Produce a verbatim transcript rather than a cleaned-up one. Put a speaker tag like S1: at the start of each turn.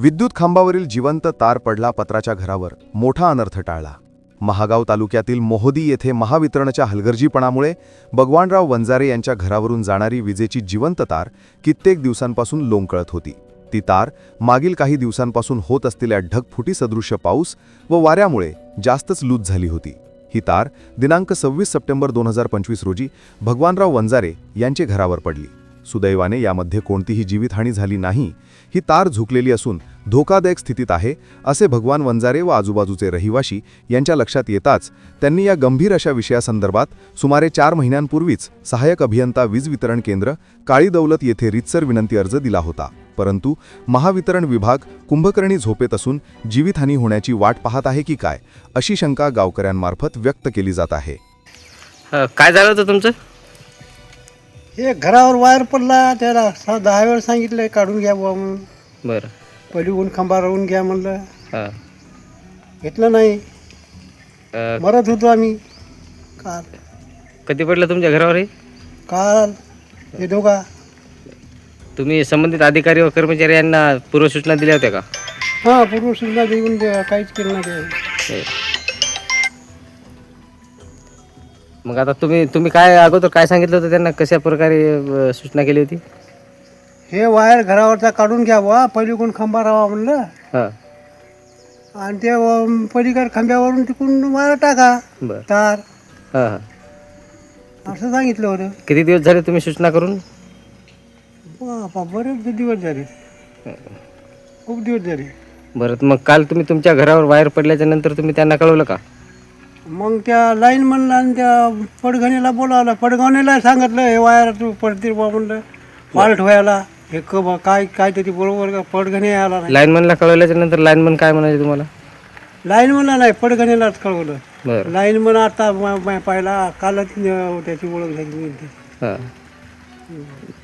S1: विद्युत खांबावरील जिवंत तार पडला पत्राच्या घरावर, मोठा अनर्थ टाळला. महागाव तालुक्यातील मोहोदी येथे महावितरणच्या हलगर्जीपणामुळे भगवानराव वंजारे यांच्या घरावरून जाणारी विजेची जिवंत तार कित्येक दिवसांपासून लोंबकळत होती. ती तार मागील काही दिवसांपासून होत असलेल्या ढगफुटी सदृश्य पाऊस व वाऱ्यामुळे जास्तच लूज झाली होती. ही तार दिनांक सव्वीस सप्टेंबर दोन हजार पंचवीस रोजी भगवानराव वंजारे यांचे घरावर पडली. सुदैवाने यामध्ये कोणतीही जीवितहानी झाली नाही. ही तार झुकलेली असून धोकादायक स्थितीत आहे असे भगवान वंजारे व आजूबाजूचे रहिवाशी यांच्या लक्षात येताच त्यांनी या गंभीर अशा विषयासंदर्भात सुमारे चार महिन्यांपूर्वीच सहाय्यक अभियंता वीज वितरण केंद्र काळी दौलत येथे रीतसर विनंती अर्ज दिला होता. परंतु महावितरण विभाग कुंभकर्णी झोपेत असून जीवितहानी होण्याची वाट पाहत आहे की काय, अशी शंका गावकऱ्यांमार्फत व्यक्त केली जात आहे.
S2: काय झालं होतं तुमचं?
S3: हे घरावर वायर पडला, त्याला सा दहा वेळ सांगितलं काढून घ्या बुवा म्हणून.
S2: बरं.
S3: पहिली ऊन खांबा राहून घ्या म्हणलं,
S2: हां.
S3: घेतलं नाही.
S2: अ,
S3: मरत होतो आम्ही. काल
S2: कधी पडलं तुमच्या घरावर हे?
S3: काल हे दोघा
S2: तुम्ही संबंधित अधिकारी व कर्मचारी यांना पूर्वसूचना दिल्या होत्या का?
S3: हां पूर्वसूचना देऊन दे- काहीच केलं नाही ते.
S2: हे. मग आता तुम्ही तुम्ही काय अगोदर काय सांगितलं होतं त्यांना, कशा प्रकारे अ, सूचना केली होती?
S3: हे वायर घरावरचा काढून घ्या बुवा, पहिली कोण खांबा राहा म्हणलं,
S2: हां.
S3: आणि ते अं, पलीकडे खांब्यावरून तिकडून वायर टाका
S2: बरं.
S3: तार,
S2: हां हां.
S3: असं सांगितलं होतं.
S2: किती दिवस झाले तुम्ही सूचना करून?
S3: बापा बरेच दिवस झाले, खूप दिवस झाले.
S2: बरं. मग काल तुम्ही तुमच्या घरावर वायर पडल्याच्या नंतर तुम्ही त्यांना कळवलं का?
S3: मग त्या लाईन म्हणला आणि त्या पडघणीला बोलावलं, पडघणीला सांगितलं हे वायर तू पडतील बा म्हणलं, फॉल्ट व्हायला हे क बा काय काय तरी बरोबर का पडघणी आला नाही.
S2: लाईनमनला कळवल्याच्या नंतर लाईनमन काय म्हणाले तुम्हाला?
S3: लाईन म्हणला नाही, पडघणीलाच कळवलं.
S2: बरं.
S3: लाईन म्हण आता म- म- पाहिला कालच अं, त्याची ओळख झाली.
S2: हां.